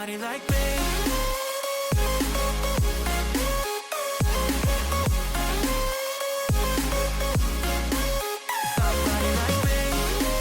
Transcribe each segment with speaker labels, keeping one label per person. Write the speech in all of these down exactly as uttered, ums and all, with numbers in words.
Speaker 1: Somebody like me. Somebody like me.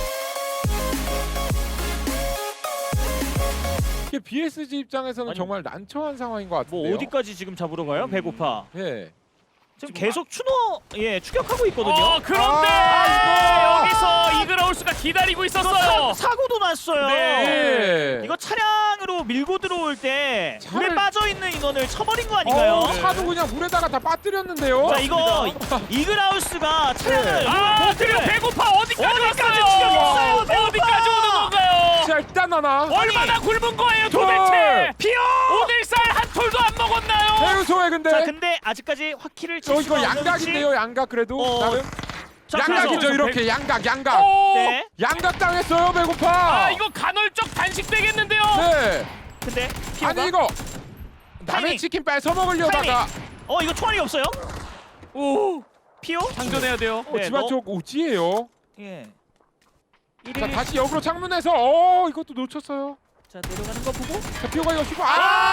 Speaker 2: 이게 비에스지 입장에서는
Speaker 3: 아니,
Speaker 2: 정말 난처한 상황인 것 같은데요.
Speaker 3: 뭐 어디까지 지금 잡으러 가요? 배고파.
Speaker 2: 예.
Speaker 3: 지금 계속 추노 예 추격하고 있거든요.
Speaker 4: 어, 그런데
Speaker 2: 아,
Speaker 4: 여기서 이그라우스가 기다리고
Speaker 3: 이거
Speaker 4: 있었어요.
Speaker 3: 사, 사고도 났어요.
Speaker 2: 네.
Speaker 3: 이거 차량으로 밀고 들어올 때
Speaker 2: 차를-
Speaker 3: 물에 빠져 있는 인원을 쳐버린 거 아닌가요?
Speaker 2: 어, 차도 그냥 물에다가 다 빠뜨렸는데요.
Speaker 3: 자 이거 이글하우스가 차량을
Speaker 2: 네.
Speaker 4: 아, 그리고 배고파 어디까지
Speaker 3: 어디까지
Speaker 4: 왔어요?
Speaker 3: 추격했어요, 배고파!
Speaker 4: 어디까지 오는 건가요?
Speaker 2: 자, 일단 하나.
Speaker 4: 얼마나 굶은 거예요,
Speaker 2: 돌!
Speaker 4: 도대체?
Speaker 3: 피어.
Speaker 4: 오늘 쌀 한 톨도 안 먹었나요?
Speaker 2: 해우소에 근데.
Speaker 3: 자 근데 아직까지 확키를 칠
Speaker 2: 어,
Speaker 3: 수가
Speaker 2: 이거
Speaker 3: 없는
Speaker 2: 양각인데요, 양각 그래도.
Speaker 3: 어,
Speaker 2: 나름.
Speaker 3: 자,
Speaker 2: 양각이죠,
Speaker 3: 그래서-
Speaker 2: 이렇게. 양각, 양각.
Speaker 4: 오!
Speaker 3: 네.
Speaker 2: 양각 당했어요, 배고파.
Speaker 4: 아, 이거 간헐적 단식 되겠는데요?
Speaker 2: 네.
Speaker 3: 근데 피어가
Speaker 2: 아니, 이거. 남의
Speaker 3: 타이밍.
Speaker 2: 치킨 뺏어 먹으려다가.
Speaker 3: 어 이거 총알이 없어요?
Speaker 4: 오,
Speaker 3: 피오?
Speaker 4: 장전해야 돼요.
Speaker 2: 어,
Speaker 3: 네,
Speaker 2: 집안
Speaker 3: 너-
Speaker 2: 쪽 오지예요.
Speaker 3: 예.
Speaker 2: 자,
Speaker 3: 일일
Speaker 2: 다시 역으로 창문에서. 어, 이것도 놓쳤어요.
Speaker 3: 자 내려가는 거 보고
Speaker 2: 자, 피오가 이거 쉬고. 아!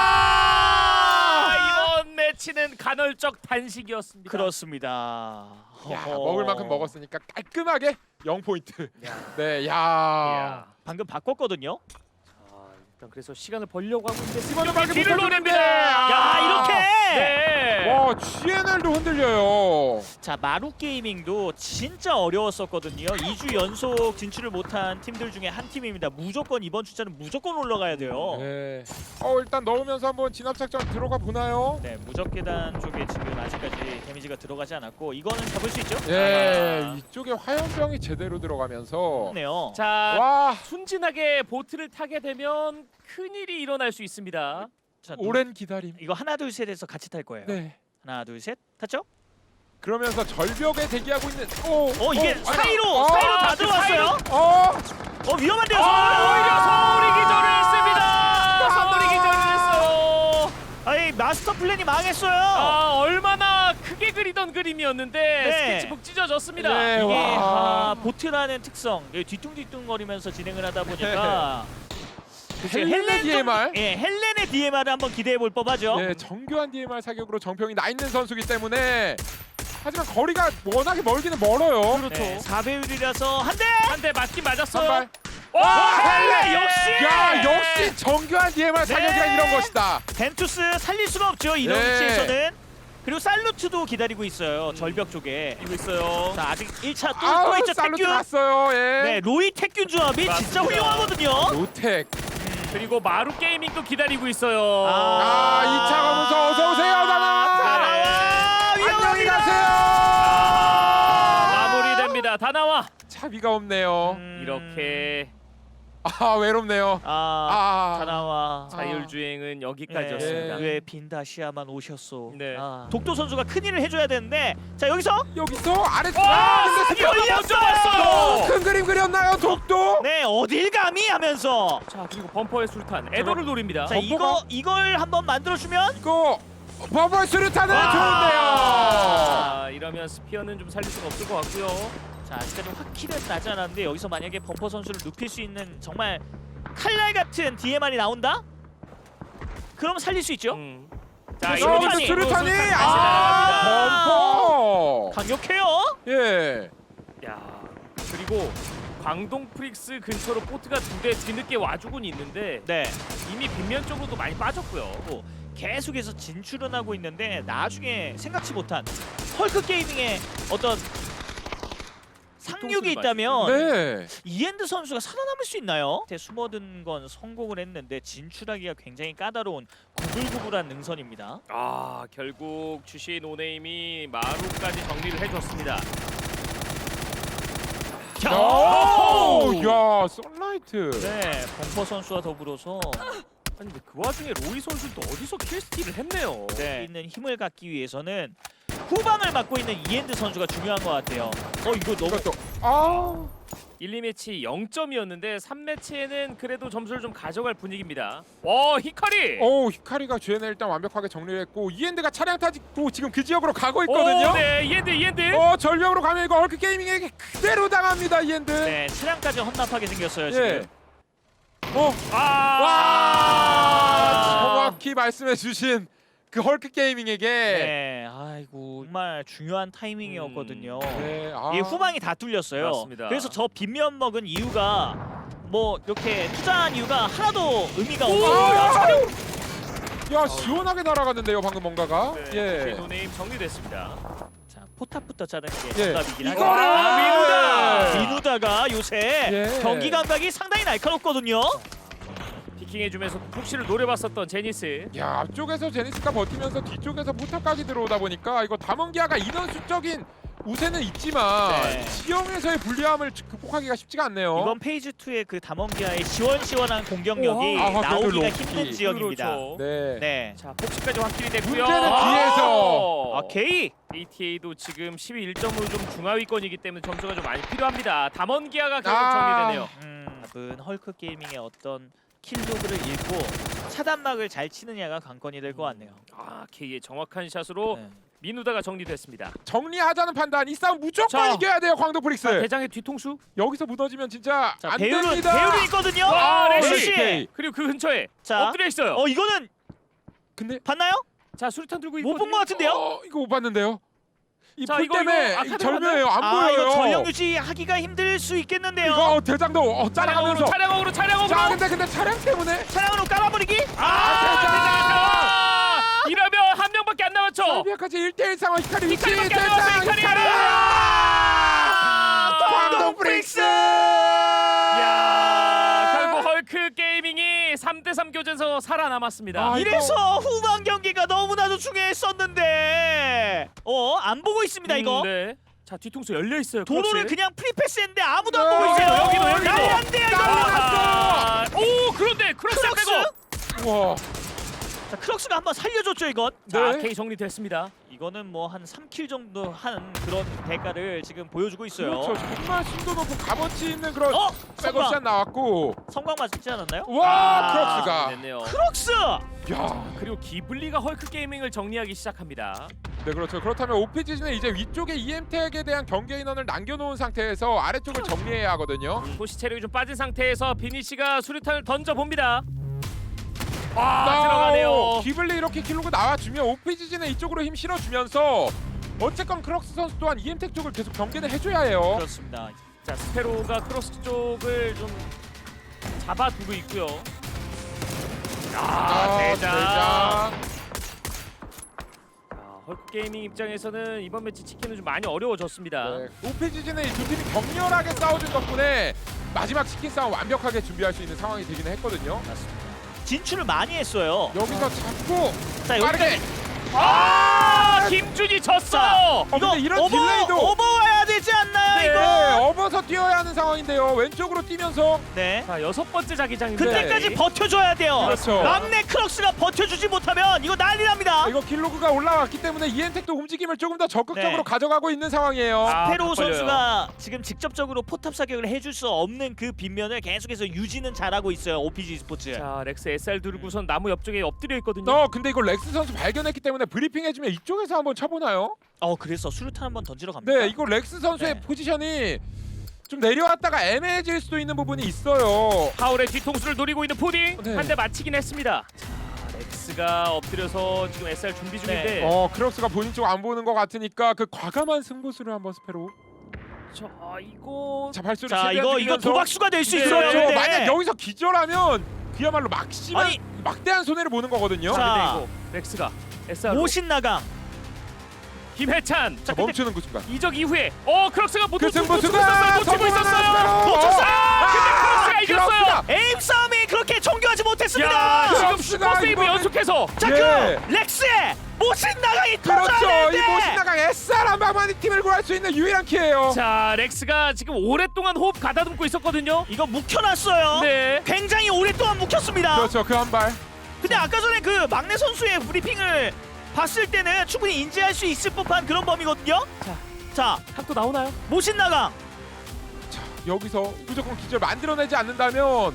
Speaker 4: 아, 이번 매치는 간헐적 단식이었습니다.
Speaker 3: 그렇습니다.
Speaker 2: 야,
Speaker 3: 허허.
Speaker 2: 먹을 만큼 먹었으니까 깔끔하게 영 포인트.
Speaker 4: 야.
Speaker 2: 네, 야.
Speaker 4: 야.
Speaker 3: 방금 바꿨거든요.
Speaker 4: 아, 일단 그래서 시간을 벌려고 하고 있는데
Speaker 2: 이번에 빨리
Speaker 4: 뒤를
Speaker 2: 못하는데.
Speaker 4: 노립니다.
Speaker 3: 야 이렇게.
Speaker 4: 네.
Speaker 2: 와, 지엔엘도 흔들려요.
Speaker 3: 자 마루 게이밍도 진짜 어려웠었거든요. 이 주 연속 진출을 못한 팀들 중에 한 팀입니다. 무조건 이번 주자는 무조건 올라가야 돼요. 네,
Speaker 2: 네. 어, 일단 넣으면서 한번 진압 작전 들어가 보나요?
Speaker 3: 무적 계단 쪽에 지금 아직까지 데미지가 들어가지 않았고 이거는 잡을 수 있죠?
Speaker 2: 예,
Speaker 4: 아.
Speaker 2: 이쪽에 화염병이 제대로 들어가면서.
Speaker 3: 네요.
Speaker 4: 자,
Speaker 2: 와,
Speaker 4: 순진하게 보트를 타게 되면 큰 일이 일어날 수 있습니다.
Speaker 3: 자,
Speaker 2: 오랜 기다림.
Speaker 3: 이거 하나 둘 셋에서 같이 탈 거예요.
Speaker 2: 네.
Speaker 3: 하나 둘 셋 탔죠?
Speaker 2: 그러면서 절벽에 대기하고 있는. 오,
Speaker 3: 어 이게
Speaker 2: 어,
Speaker 3: 사이로
Speaker 2: 어,
Speaker 3: 사이로
Speaker 4: 아,
Speaker 3: 다
Speaker 4: 그
Speaker 3: 들어왔어요.
Speaker 2: 어,
Speaker 3: 어 위험한데요.
Speaker 4: 아, 오히려 서울이 기절을 했습니다.
Speaker 2: 아.
Speaker 4: 서울이 기절을 했어요.
Speaker 3: 아니 마스터 플랜이 망했어요.
Speaker 4: 아, 얼마나 크게 그리던 그림이었는데
Speaker 3: 네.
Speaker 4: 스케치북 찢어졌습니다.
Speaker 2: 네.
Speaker 3: 이게
Speaker 2: 와.
Speaker 3: 아, 보트라는 특성 예, 뒤뚱뒤뚱거리면서 진행을 하다 보니까 글쎄,
Speaker 2: 헬렌의
Speaker 3: 좀-
Speaker 2: 디엠알.
Speaker 3: 예, 헬렌의 디엠알을 한번 기대해 볼 법하죠.
Speaker 2: 네, 정교한 디엠알 사격으로 정평이 나 있는 선수기 때문에. 하지만 거리가 워낙에 멀기는 멀어요.
Speaker 4: 그렇죠.
Speaker 3: 네, 사 배율이라서 한 대.
Speaker 4: 한 대 맞긴 맞았어요.
Speaker 2: 한 발.
Speaker 4: 와,
Speaker 3: 헬렌 역시!
Speaker 2: 야, 역시 정교한 디엠알 사격이란
Speaker 3: 네.
Speaker 2: 이런 것이다.
Speaker 3: 벤투스 살릴 수가 없죠 이런
Speaker 2: 네.
Speaker 3: 위치에서는. 그리고 살루트도 기다리고 있어요 절벽 쪽에.
Speaker 4: 이고 있어요.
Speaker 3: 자 아직 일 차 또, 또
Speaker 2: 아우,
Speaker 3: 있죠
Speaker 2: 살루트
Speaker 3: 택균.
Speaker 2: 갔어요. 예.
Speaker 3: 네 로이 택균 조합이 진짜
Speaker 4: 맞습니다.
Speaker 3: 훌륭하거든요.
Speaker 2: 노텍.
Speaker 4: 그리고 마루 게이밍도 기다리고 있어요.
Speaker 3: 아.
Speaker 2: 아, 이 차 가면서 어서 오세요,
Speaker 3: 다
Speaker 2: 다나.
Speaker 3: 나와
Speaker 2: 안녕히
Speaker 3: 위험합니다.
Speaker 2: 가세요.
Speaker 4: 마무리됩니다. 다 나와.
Speaker 2: 차비가 없네요.
Speaker 3: 음,
Speaker 4: 이렇게
Speaker 2: 아, 외롭네요.
Speaker 3: 아,
Speaker 2: 아,
Speaker 3: 다 나와.
Speaker 4: 자율주행은 여기까지였습니다.
Speaker 2: 예.
Speaker 3: 왜 빈다시아만 오셨소?
Speaker 4: 네.
Speaker 3: 아. 독도 선수가 큰 일을 해줘야 되는데 자 여기서
Speaker 2: 여기서 아래쪽.
Speaker 4: 와,
Speaker 2: 근데
Speaker 4: 스피어가
Speaker 3: 열렸어요!
Speaker 4: 먼저 왔어요.
Speaker 2: 큰 그림 그렸나요, 독도?
Speaker 3: 네 어딜 감히 하면서
Speaker 4: 자, 그리고 범퍼의 술탄 에더를 노립니다.
Speaker 3: 자
Speaker 2: 범퍼가-
Speaker 3: 이거 이걸 한번 만들어주면
Speaker 2: 이거 버블 수류탄은
Speaker 4: 와.
Speaker 2: 좋은데요.
Speaker 4: 아, 이러면 스피어는 좀 살릴 수가 없을 것 같고요.
Speaker 3: 자 아직까지 확킬은 나지 않았는데 여기서 만약에 범퍼 선수를 눕힐 수 있는 정말 칼날 같은 디엠알이 나온다? 그럼 살릴 수 있죠?
Speaker 4: 음. 자,
Speaker 3: 어,
Speaker 4: 이러면
Speaker 3: 근데
Speaker 2: 수류탄이
Speaker 4: 다시
Speaker 2: 아,
Speaker 4: 나갑니다.
Speaker 2: 범퍼.
Speaker 3: 강력해요?
Speaker 2: 예.
Speaker 4: 야, 그리고 광동 프릭스 근처로 보트가 두 대 뒤늦게 와주곤 있는데
Speaker 3: 네
Speaker 4: 이미 빗면 쪽으로도 많이 빠졌고요.
Speaker 3: 뭐 계속해서 진출은 하고 있는데 나중에 생각지 못한 헐크 게이밍의 어떤 상륙이 있다면
Speaker 2: 네.
Speaker 3: 이엔드 선수가 살아남을 수 있나요? 숨어든 건 성공을 했는데 진출하기가 굉장히 까다로운 구불구불한 능선입니다.
Speaker 4: 아, 결국 주시 노네임이 마루까지 정리를 해줬습니다.
Speaker 2: 오, 야, 선라이트.
Speaker 3: 네, 범퍼 선수와 더불어서
Speaker 4: 아니 근데 그 와중에 로이 선수도 어디서 킬스틸을 했네요.
Speaker 3: 네. 있는 힘을 갖기 위해서는 후방을 맡고 있는 이엔드 선수가 중요한 것 같아요. 어 이거 너무
Speaker 2: 이것도 아,
Speaker 4: 일, 이 매치 영 점이었는데 삼 매치에는 그래도 점수를 좀 가져갈 분위기입니다. 와, 히카리!
Speaker 2: 오, 히카리가 주엔을 일단 완벽하게 정리를 했고 이엔드가 차량 타고 지금 그 지역으로 가고 있거든요.
Speaker 4: 오, 네, 이엔드, 이엔드!
Speaker 2: 어, 절벽으로 가면 이거 얼크 게이밍에게 그대로 당합니다, 이엔드.
Speaker 3: 네 차량까지 헌납하게 생겼어요
Speaker 2: 예.
Speaker 3: 지금.
Speaker 2: 어,
Speaker 4: 아!
Speaker 2: 와! 정확히 말씀해주신 그 헐크 게이밍에게
Speaker 3: 네, 아이고 정말 중요한 타이밍이었거든요.
Speaker 2: 네, 아.
Speaker 3: 이 후방이 다 뚫렸어요.
Speaker 4: 맞습니다.
Speaker 3: 그래서 저 빈면 먹은 이유가 뭐 이렇게 투자한 이유가 하나도 의미가 없어요.
Speaker 2: 야 시원하게 날아갔는데요 방금 뭔가가.
Speaker 4: 네,
Speaker 2: 예.
Speaker 4: 노네임 정리됐습니다.
Speaker 3: 자, 포탑부터 자르는 게
Speaker 2: 예.
Speaker 3: 정답이긴 하죠.
Speaker 2: 이거를
Speaker 4: 아, 민우다!
Speaker 3: 민우다가 요새
Speaker 2: 예.
Speaker 3: 경기 감각이 상당히 날카롭거든요.
Speaker 4: 피킹해주면서 푹시를 노려봤었던 제니스.
Speaker 2: 야 앞쪽에서 제니스가 버티면서 뒤쪽에서 포탑까지 들어오다 보니까 이거 담원기아가 인원 수적인 우세는 있지만
Speaker 3: 네.
Speaker 2: 지형에서의 불리함을 극복하기가 쉽지가 않네요.
Speaker 3: 이번 페이지 이의 그 담원기아의 시원시원한 공격력이
Speaker 2: 우와. 아,
Speaker 3: 나오기가
Speaker 2: 그래도
Speaker 3: 힘든
Speaker 2: 로키.
Speaker 3: 지역입니다.
Speaker 4: 그렇죠.
Speaker 2: 네.
Speaker 3: 네.
Speaker 4: 자, 폭시까지 확실히 됐고요.
Speaker 2: 문제는 뒤에서.
Speaker 3: 아, 게이.
Speaker 4: 에이티에이도 지금 십일 점으로 좀 중하위권이기 때문에 점수가 좀 많이 필요합니다. 담원기아가 결국
Speaker 2: 아.
Speaker 4: 정리되네요.
Speaker 3: 음, 답은 헐크 게이밍의 어떤 킬로그를 잃고 차단막을 잘 치느냐가 관건이 될 것 같네요.
Speaker 4: 아, K의 정확한 샷으로
Speaker 3: 네.
Speaker 4: 민우다가 정리됐습니다.
Speaker 2: 정리하자는 판단. 이 싸움 무조건
Speaker 4: 자.
Speaker 2: 이겨야 돼요 광도 프릭스.
Speaker 4: 자, 대장의 뒤통수.
Speaker 2: 여기서 무너지면 진짜
Speaker 3: 자,
Speaker 2: 안
Speaker 3: 배율은
Speaker 2: 됩니다.
Speaker 3: 배율이 있거든요.
Speaker 4: 와, 레시!
Speaker 3: 레시.
Speaker 2: 오케이.
Speaker 4: 그리고 그 근처에
Speaker 3: 자,
Speaker 4: 엎드려 있어요.
Speaker 3: 어 이거는
Speaker 2: 근데
Speaker 3: 봤나요?
Speaker 4: 자, 수류탄 들고
Speaker 3: 못 본
Speaker 4: 있거든요.
Speaker 3: 것 같은데요?
Speaker 2: 어, 이거 못 봤는데요. 이
Speaker 4: 자,
Speaker 2: 풀
Speaker 4: 이거,
Speaker 2: 때문에
Speaker 4: 이거
Speaker 2: 이
Speaker 4: 아까
Speaker 2: 절묘해요. 안
Speaker 3: 아
Speaker 2: 보여요.
Speaker 3: 이거 전력 유지하기가 힘들 수 있겠는데요.
Speaker 2: 이거 대장도 어, 따라가면서.
Speaker 4: 차량으로 차량으로
Speaker 2: 자
Speaker 4: 차량으로.
Speaker 2: 근데 근데 차량 때문에
Speaker 3: 차량으로 깔아버리기.
Speaker 4: 아,
Speaker 2: 대장!
Speaker 4: 대장! 이러면 한 명밖에 안 남았죠.
Speaker 2: 설비아까지 일 대 일 상황. 히카리 위치.
Speaker 4: 히카리밖에 안 남았어요,
Speaker 2: 대장
Speaker 4: 히카리!
Speaker 2: 히카리.
Speaker 4: 아!
Speaker 2: 광동 프릭스.
Speaker 4: 야, 결국 헐크 게이밍이 삼 대 삼 교전에서 살아남았습니다.
Speaker 2: 아,
Speaker 3: 이래서 후반 경기가 너무나도 중요했었는데 어 안 보고 있습니다 이거.
Speaker 4: 음, 네. 자, 뒤통수 열려 있어요.
Speaker 3: 도로를
Speaker 4: 크로스.
Speaker 3: 그냥 프리패스했는데 아무도
Speaker 2: 네,
Speaker 3: 안 보고 있어요.
Speaker 4: 여기도, 여기도.
Speaker 3: 난리 난대요 이거.
Speaker 4: 아, 오, 그런데 크로스
Speaker 3: 크록스?
Speaker 4: 빼고.
Speaker 2: 우와.
Speaker 3: 자, 크록스가 한번 살려줬죠 이건.
Speaker 4: 자,
Speaker 2: 네.
Speaker 4: K 정리됐습니다.
Speaker 3: 이거는 뭐 한 삼 킬 정도 한 그런 대가를 지금 보여주고 있어요.
Speaker 2: 그렇죠. 정말 심도 높고 값어치 있는 그런
Speaker 3: 어?
Speaker 2: 백업샷
Speaker 3: 성광.
Speaker 2: 나왔고.
Speaker 3: 성광 맞지 않았나요?
Speaker 2: 와
Speaker 3: 아,
Speaker 2: 크록스가.
Speaker 4: 됐네요.
Speaker 3: 크록스!
Speaker 2: 야.
Speaker 4: 그리고 기블리가 헐크 게이밍을 정리하기 시작합니다.
Speaker 2: 네 그렇죠. 그렇다면 오피지는 이제 위쪽에 이엠택에 대한 경계 인원을 남겨놓은 상태에서 아래쪽을 정리해야 하거든요.
Speaker 4: 도시 체력이 좀 빠진 상태에서 비니 씨가 수류탄을 던져 봅니다. 아,
Speaker 2: 아,
Speaker 4: 들어가네요.
Speaker 2: 기블리 이렇게 킬로그 나와주면 오피지는 이쪽으로 힘 실어주면서 어쨌건 크록스 선수 또한 이엠택 쪽을 계속 경계를 해줘야 해요.
Speaker 3: 그렇습니다.
Speaker 4: 자, 스페로가 크로스 쪽을 좀 잡아두고 있고요. 아, 대장. 아, 헐크 게이밍 입장에서는 이번 매치 치킨은 좀 많이 어려워졌습니다.
Speaker 2: 네, 오피지는 이 두 팀이 격렬하게 싸워준 덕분에 마지막 치킨 싸움 완벽하게 준비할 수 있는 상황이 되기는 했거든요.
Speaker 3: 맞습니다. 진출을 많이 했어요.
Speaker 2: 여기서 잡고
Speaker 3: 자
Speaker 2: 빠르게.
Speaker 3: 여기까지.
Speaker 4: 아, 김준이 졌어요.
Speaker 2: 어,
Speaker 3: 이거
Speaker 2: 근데 이런
Speaker 3: 어버,
Speaker 2: 딜레이도.
Speaker 3: 어버 와야 되지 않나요
Speaker 2: 네,
Speaker 3: 이거?
Speaker 2: 업어서 뛰어야 하는 상황인데요. 왼쪽으로 뛰면서.
Speaker 3: 네.
Speaker 4: 자, 여섯 번째 자기장인데.
Speaker 3: 그때까지 버텨줘야 돼요.
Speaker 2: 그렇죠.
Speaker 3: 막내 크록스가 버텨주지 못하면 이거 난리 납니다.
Speaker 2: 이거 킬로그가 올라왔기 때문에 이엠택도 움직임을 조금 더 적극적으로
Speaker 3: 네.
Speaker 2: 가져가고 있는 상황이에요.
Speaker 4: 아,
Speaker 3: 페로
Speaker 4: 딱 걸려요.
Speaker 3: 선수가 지금 직접적으로 포탑 사격을 해줄 수 없는 그 빈면을 계속해서 유지는 잘하고 있어요. 오피지 스포츠.
Speaker 4: 자, 렉스 에스알 두르고선 나무 옆쪽에 엎드려 있거든요.
Speaker 2: 어 근데 이거 렉스 선수 발견했기 때문에 브리핑 해주면 이쪽에서 한번 쳐보나요?
Speaker 3: 어 그래서 수류탄 한번 던지러 갑니다.
Speaker 2: 네 이거 렉스 선수의
Speaker 3: 네.
Speaker 2: 포지션이 좀 내려왔다가 애매해질 수도 있는 부분이 있어요.
Speaker 4: 파울의 뒤통수를 노리고 있는 푸딩
Speaker 2: 네.
Speaker 4: 한 대 맞히긴 했습니다. 자, 렉스가 엎드려서 지금 에스알 준비 중인데.
Speaker 2: 어 크록스가 본인 쪽 안 보는 것 같으니까 그 과감한 승부수를 한번 스페로.
Speaker 4: 자, 이거
Speaker 2: 자 발소리
Speaker 3: 자
Speaker 2: 최대한
Speaker 3: 이거 이거
Speaker 2: 줄이면서.
Speaker 3: 도박수가 될 수
Speaker 4: 네.
Speaker 3: 있어요.
Speaker 2: 그렇죠.
Speaker 3: 근데.
Speaker 2: 만약 여기서 기절하면 그야말로 막심한
Speaker 3: 아니.
Speaker 2: 막대한 손해를 보는 거거든요.
Speaker 3: 자,
Speaker 4: 자, 근데 이거 렉스가 에스알
Speaker 3: 모신 나강.
Speaker 4: 김해찬.
Speaker 2: 자
Speaker 4: 자, 근데
Speaker 2: 멈추는 그 순간.
Speaker 4: 이적 이후에 어 크록스가 못
Speaker 2: 그
Speaker 4: 놓치고 놓치고
Speaker 2: 승부수가
Speaker 4: 있었어요. 놓치고 있었어요.
Speaker 3: 놓쳤어요.
Speaker 4: 아, 근데 크록스가 이겼어요.
Speaker 3: 에임 싸움이 그렇게 정교하지 못했습니다.
Speaker 4: 야, 지금
Speaker 2: 크록스가
Speaker 4: 슈퍼 세이브
Speaker 2: 이거는-
Speaker 4: 연속해서.
Speaker 3: 자,
Speaker 2: 예.
Speaker 3: 그 렉스의 모신 나강이 터져야
Speaker 2: 그렇죠. 이
Speaker 3: 되는데.
Speaker 2: 모신나강 에스알 한 방만이 팀을 구할 수 있는 유일한 키예요.
Speaker 4: 자, 렉스가 지금 오랫동안 호흡 가다듬고 있었거든요.
Speaker 3: 이거 묵혀놨어요.
Speaker 4: 네.
Speaker 3: 굉장히 오랫동안 묵혔습니다.
Speaker 2: 그렇죠. 그 한 발.
Speaker 3: 근데 아까 전에 그 막내 선수의 브리핑을 봤을 때는 충분히 인지할 수 있을 법한 그런 범위거든요.
Speaker 4: 자.
Speaker 3: 자,
Speaker 4: 각도 나오나요?
Speaker 3: 모신 나강.
Speaker 2: 자 여기서 무조건 기절 만들어내지 않는다면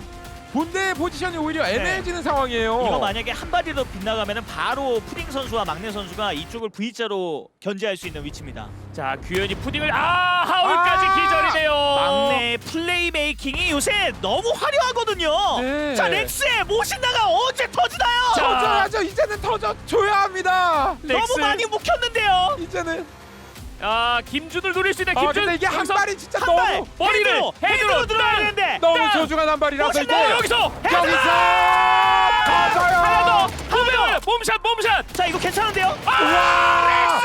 Speaker 2: 본대의 포지션이 오히려 애매해지는 상황이에요.
Speaker 3: 네. 이거 만약에 한 발이라도 빗나가면은 바로 푸딩 선수와 막내 선수가 이쪽을 V자로 견제할 수 있는 위치입니다.
Speaker 4: 자 규현이 푸딩을 아 하울까지
Speaker 2: 아!
Speaker 4: 기절이네요.
Speaker 3: 막내의 플레이 메이킹이 요새 너무 화려하거든요.
Speaker 2: 네.
Speaker 3: 자 렉스의 모신다가 언제 터지나요?
Speaker 4: 자,
Speaker 2: 터져야죠. 이제는 터져줘야 합니다.
Speaker 3: 너무
Speaker 4: 렉스.
Speaker 3: 많이 묵혔는데요.
Speaker 2: 이제는.
Speaker 4: 아 김준을 노릴 수 있는
Speaker 2: 아
Speaker 4: 김준.
Speaker 2: 근데 이게 한
Speaker 4: 여기서
Speaker 2: 발이 진짜
Speaker 3: 한 발!
Speaker 2: 너무
Speaker 4: 머리를
Speaker 3: 헤드로!
Speaker 4: 헤드로
Speaker 3: 헤드로 들어야
Speaker 4: 땅!
Speaker 3: 되는데
Speaker 2: 너무
Speaker 4: 땅!
Speaker 2: 소중한 한 발이라서 이게
Speaker 3: 멋있다!
Speaker 4: 여기서
Speaker 2: 여기서 터져요.
Speaker 4: 하나 더 몸을 몸샷 몸샷.
Speaker 3: 자 이거 괜찮은데요?
Speaker 2: 와!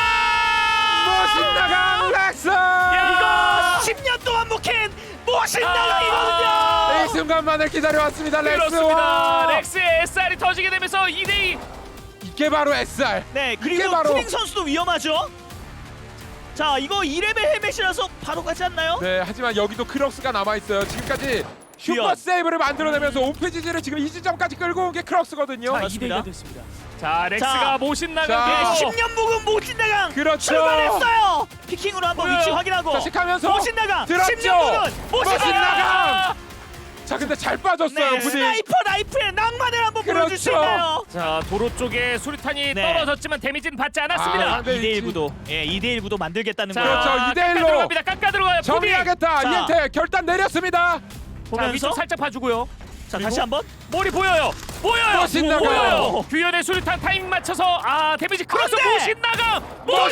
Speaker 2: 멋있나강 렉스.
Speaker 3: 이거 십 년 동안 묵힌 모신다강이거든요.
Speaker 2: 이 순간만을 기다려왔습니다.
Speaker 4: 그렇습니다.
Speaker 2: 렉스와
Speaker 4: 렉스의 에스알이 터지게 되면서 이 대 이.
Speaker 2: 이게 바로 에스알.
Speaker 3: 네
Speaker 2: 이게
Speaker 3: 그리고
Speaker 2: 바로-
Speaker 3: 푸딩 선수도 위험하죠. 자 이거 이 레벨 헬멧이라서 바로 가지 않나요?
Speaker 2: 네, 하지만 여기도 크럭스가 남아 있어요. 지금까지 슈퍼
Speaker 3: 귀여워.
Speaker 2: 세이브를 만들어내면서 오페지지를 지금 이 지점까지 끌고 온 게 크럭스거든요.
Speaker 3: 자,
Speaker 4: 이 대 이가 됐습니다. 자 렉스가
Speaker 3: 자.
Speaker 4: 모신
Speaker 2: 자.
Speaker 4: 나가고
Speaker 3: 네, 십 년 묵은 모신다강
Speaker 2: 그렇죠.
Speaker 3: 출발했어요. 피킹으로 한번
Speaker 4: 보여요.
Speaker 3: 위치 확인하고
Speaker 2: 자식하면서
Speaker 3: 모신다강
Speaker 2: 들었죠.
Speaker 3: 십 년 묵은
Speaker 2: 모신다강.
Speaker 3: 모신다강.
Speaker 2: 자, 근데 잘 빠졌어요,
Speaker 3: 네,
Speaker 2: 부디.
Speaker 3: 스나이퍼 라이프의 낭만을 한번
Speaker 2: 그렇죠.
Speaker 3: 보여줄 수 있나요?
Speaker 4: 자 도로 쪽에 수류탄이
Speaker 3: 네.
Speaker 4: 떨어졌지만 데미지는 받지 않았습니다.
Speaker 2: 아, 네,
Speaker 3: 이 대 일
Speaker 2: 이-
Speaker 3: 구도 예, 이 대 일 구도 만들겠다는
Speaker 4: 자,
Speaker 3: 거예요.
Speaker 2: 그렇죠. 이 대 일로
Speaker 4: 깎아 들어갑니다. 깎아 들어가요.
Speaker 2: 정리하겠다.
Speaker 3: 자.
Speaker 2: 이엔테 결단 내렸습니다.
Speaker 4: 자
Speaker 3: 보면서
Speaker 4: 위쪽 살짝 봐주고요.
Speaker 3: 자 다시 한번
Speaker 4: 머리 보여요. 보여요.
Speaker 2: 모신나가.
Speaker 4: 보여요. 규현의 수류탄 타이밍 맞춰서 아 데미지 크로스
Speaker 3: 안 돼!
Speaker 4: 모신나가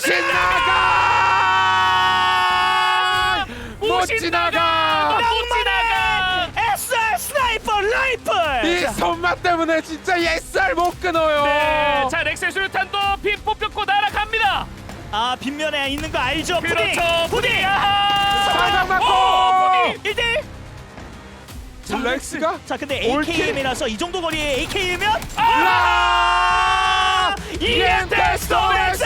Speaker 2: 모신나가! 못
Speaker 4: 모신나가
Speaker 2: 지나가!
Speaker 4: 못 지나가.
Speaker 3: 에스알 스나이퍼 라이플.
Speaker 2: 이
Speaker 3: 자,
Speaker 2: 손맛 때문에 진짜 에스알 못 끊어요.
Speaker 4: 네, 자 렉스의 수류탄도 핀 뽑혔고 날아갑니다.
Speaker 3: 아 빗면에 있는 거 알죠? 푸딩.
Speaker 4: 그렇죠.
Speaker 3: 푸딩.
Speaker 4: 아하.
Speaker 2: 사각 맞고!
Speaker 4: 오, 푸딩.
Speaker 3: 일 대 일.
Speaker 2: 자, 렉스가
Speaker 3: 자 근데
Speaker 2: 올킬.
Speaker 3: 에이케이엠이라서 이 정도 거리에 에이케이엠이면
Speaker 4: 아!
Speaker 2: 이엔테 스토렉스!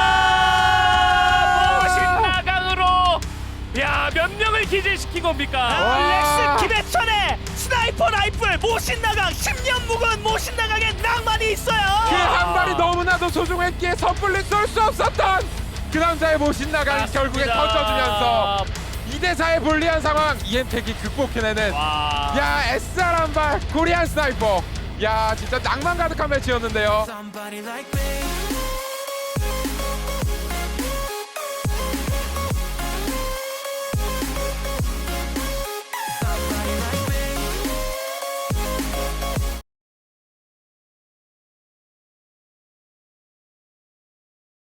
Speaker 4: 모신나강으로 야 몇 명을 기절시킨 겁니까?
Speaker 2: 와.
Speaker 3: 아, 렉스 김해천의 스나이퍼 라이플 모신나강 십 년 묵은 모신나강의 낭만이 있어요.
Speaker 2: 그 한 발이 너무나도 소중했기에 섣불리 쏠 수 없었던 그 남자의 모신나강이 결국에 터져주면서 이 대 사의 불리한 상황 이엔텍이 극복해내는
Speaker 4: 와.
Speaker 2: 야 에스알 한 발 코리안 스나이퍼 야 진짜 낭만 가득한 매치였는데요.
Speaker 1: Somebody like me.